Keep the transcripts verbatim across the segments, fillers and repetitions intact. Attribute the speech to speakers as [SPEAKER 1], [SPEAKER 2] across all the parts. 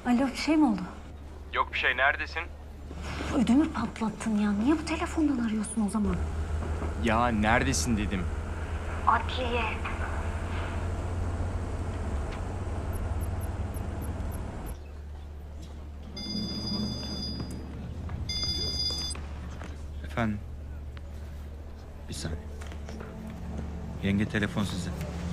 [SPEAKER 1] Alo, bir şey mi oldu?
[SPEAKER 2] Yok bir şey, neredesin?
[SPEAKER 1] Ödümü patlattın ya. Niye bu telefondan arıyorsun o zaman?
[SPEAKER 2] Ya neredesin dedim.
[SPEAKER 1] Adliye.
[SPEAKER 3] Efendim? Bir saniye. Yenge telefon size.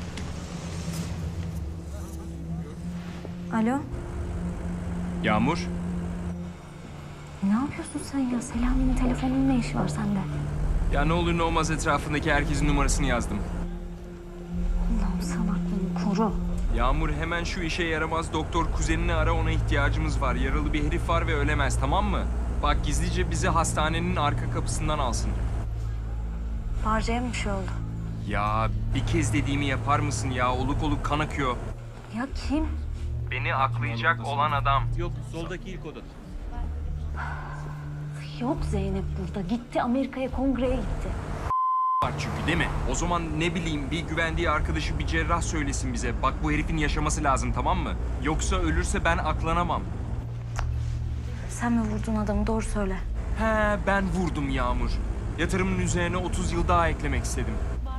[SPEAKER 1] Alo,
[SPEAKER 2] Yağmur?
[SPEAKER 1] ne yapıyorsun sen ya? Selami'nin telefonunun ne işi var sende?
[SPEAKER 2] Ya ne olur ne olmaz etrafındaki herkesin numarasını yazdım.
[SPEAKER 1] Allah'ım sen aklını koru.
[SPEAKER 2] Yağmur hemen şu işe yaramaz doktor kuzenini ara, ona ihtiyacımız var. Yaralı bir herif var ve ölemez, tamam mı? Bak gizlice bizi hastanenin arka kapısından alsın.
[SPEAKER 1] Barca'ya mı bir şey oldu?
[SPEAKER 2] Ya bir kez dediğimi yapar mısın ya? Oluk oluk kan akıyor.
[SPEAKER 1] Ya kim?
[SPEAKER 2] Beni aklayacak olan adam.
[SPEAKER 3] Yok, soldaki ilk oda.
[SPEAKER 1] Yok Zeynep burada. Gitti Amerika'ya, kongreye gitti.
[SPEAKER 2] Var çünkü değil mi? O zaman ne bileyim bir güvendiği arkadaşı, bir cerrah söylesin bize. Bak bu herifin yaşaması lazım, tamam mı? Yoksa ölürse ben aklanamam.
[SPEAKER 1] Sen mi vurdun adamı? Doğru söyle.
[SPEAKER 2] He, ben vurdum Yağmur. Yatırımın üzerine otuz yıl daha eklemek istedim.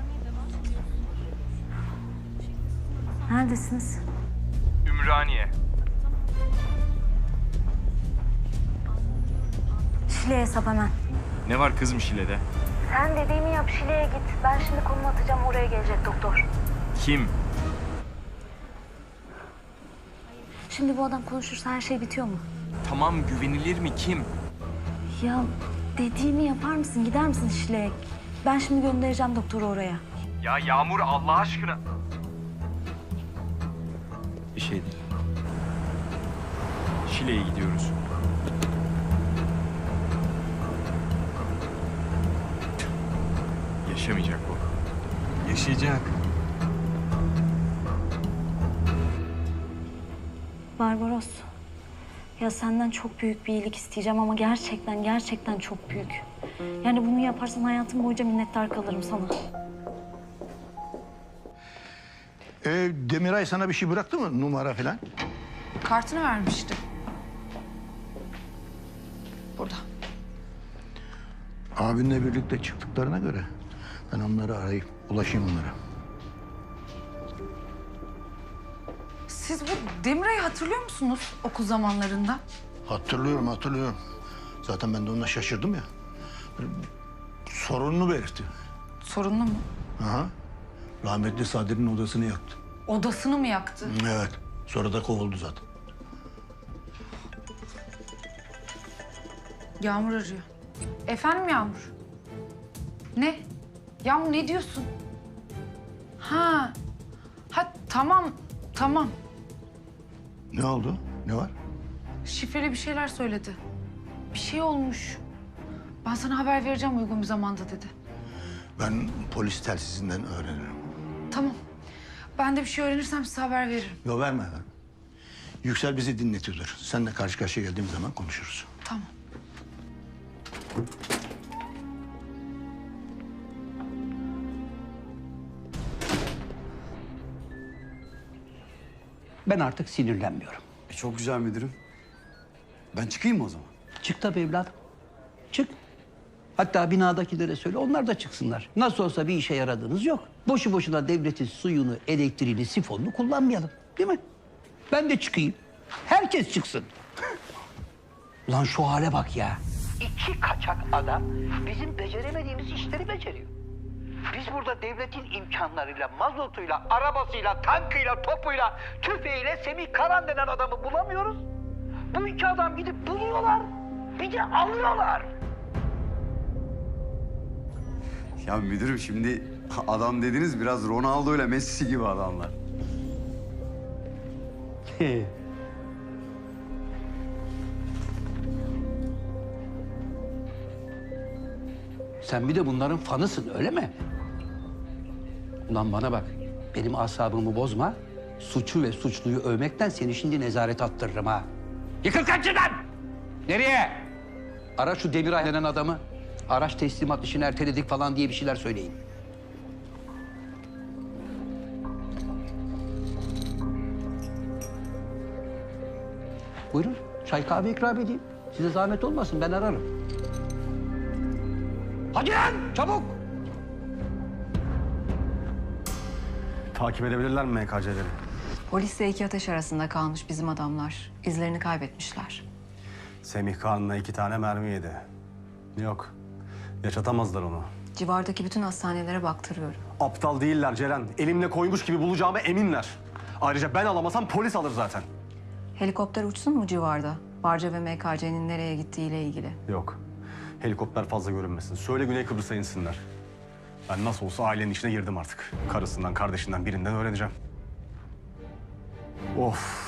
[SPEAKER 1] Neredesiniz?
[SPEAKER 2] Ümraniye.
[SPEAKER 1] Şile'ye hesap hemen.
[SPEAKER 2] Ne var kızım Şile'de?
[SPEAKER 1] Sen dediğimi yap, Şile'ye git. Ben şimdi konum atacağım, oraya gelecek doktor.
[SPEAKER 2] Kim?
[SPEAKER 1] Şimdi bu adam konuşursa her şey bitiyor mu?
[SPEAKER 2] Tamam, güvenilir mi? Kim?
[SPEAKER 1] Ya dediğimi yapar mısın? Gider misin Şile'ye? Ben şimdi göndereceğim doktoru oraya.
[SPEAKER 2] Ya Yağmur Allah aşkına.
[SPEAKER 3] Bir şey değil.
[SPEAKER 2] Şile'ye gidiyoruz. Yaşamayacak bu.
[SPEAKER 3] Yaşayacak.
[SPEAKER 1] Barbaros. Ya senden çok büyük bir iyilik isteyeceğim ama gerçekten gerçekten çok büyük. Yani bunu yaparsan hayatım boyunca minnettar kalırım sana.
[SPEAKER 4] Ee, Demiray sana bir şey bıraktı mı? Numara falan?
[SPEAKER 5] Kartını vermişti. Burada.
[SPEAKER 4] Abinle birlikte çıktıklarına göre ben onları arayıp ulaşayım onlara.
[SPEAKER 5] Siz bu Demiray'ı hatırlıyor musunuz okul zamanlarında?
[SPEAKER 4] Hatırlıyorum, hatırlıyorum. Zaten ben de ona şaşırdım ya. Böyle sorununu belirtti.
[SPEAKER 5] Sorunlu mu?
[SPEAKER 4] Aha. Rahmetli Sadri'nin odasını yaktı.
[SPEAKER 5] Odasını mı yaktı?
[SPEAKER 4] Evet. Sonra da kovuldu zaten.
[SPEAKER 5] Yağmur arıyor. Efendim Yağmur? Ne? Yağmur ne diyorsun? Ha. Ha tamam, tamam.
[SPEAKER 4] Ne oldu? Ne var?
[SPEAKER 5] Şifreli bir şeyler söyledi. Bir şey olmuş. Ben sana haber vereceğim uygun bir zamanda dedi.
[SPEAKER 4] Ben polis telsizinden öğrenirim.
[SPEAKER 5] Tamam. Ben de bir şey öğrenirsem size haber veririm.
[SPEAKER 4] Yo verme ver. Yüksel bizi dinletiyordur. Seninle karşı karşıya geldiğim zaman konuşuruz.
[SPEAKER 5] Tamam.
[SPEAKER 6] Ben artık sinirlenmiyorum.
[SPEAKER 7] E çok güzel müdürüm. Ben çıkayım mı o zaman?
[SPEAKER 6] Çık tabii evladım. Çık. Hatta binadakilere söyle, onlar da çıksınlar. Nasıl olsa bir işe yaradığınız yok. Boşu boşuna devletin suyunu, elektriğini, sifonunu kullanmayalım. Değil mi? Ben de çıkayım. Herkes çıksın. Ulan şu hale bak ya. İki kaçak adam bizim beceremediğimiz işleri beceriyor. Biz burada devletin imkanlarıyla, mazotuyla, arabasıyla, tankıyla, topuyla, tüfeğiyle Semih Karan denen adamı bulamıyoruz. Bu iki adam gidip buluyorlar, bir de alıyorlar.
[SPEAKER 7] Ya müdürüm şimdi adam dediniz biraz Ronaldo ile Messi gibi adamlar.
[SPEAKER 6] Sen bir de bunların fanısın, öyle mi? Ulan bana bak, benim asabımı bozma. Suçu ve suçluyu övmekten seni şimdi nezarete attırırım ha. Yıkıl kaçından! Nereye? Ara şu Demiray denen adamı. Araç teslimat işini erteledik falan diye bir şeyler söyleyin. Buyurun. Çay kahve ikram edeyim. Size zahmet olmasın, ben ararım. Hadi lan, çabuk!
[SPEAKER 8] Takip edebilirler mi M K C'leri?
[SPEAKER 9] Polisle iki ateş arasında kalmış bizim adamlar. İzlerini kaybetmişler.
[SPEAKER 8] Semih Kağan'la iki tane mermi yedi. Yok, yaşatamazlar onu.
[SPEAKER 9] Civardaki bütün hastanelere baktırıyorum.
[SPEAKER 8] Aptal değiller Ceren. Elimle koymuş gibi bulacağıma eminler. Ayrıca ben alamasam polis alır zaten.
[SPEAKER 9] Helikopter uçsun mu civarda? Barca ve M K C'nin nereye gittiğiyle ilgili.
[SPEAKER 8] Yok, helikopter fazla görünmesin. Söyle Güney Kıbrıs'a insinler. Ben nasıl olsa ailenin içine girdim artık. Karısından, kardeşinden birinden öğreneceğim. Of.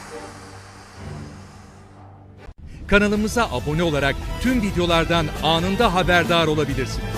[SPEAKER 10] Kanalımıza abone olarak tüm videolardan anında haberdar olabilirsiniz.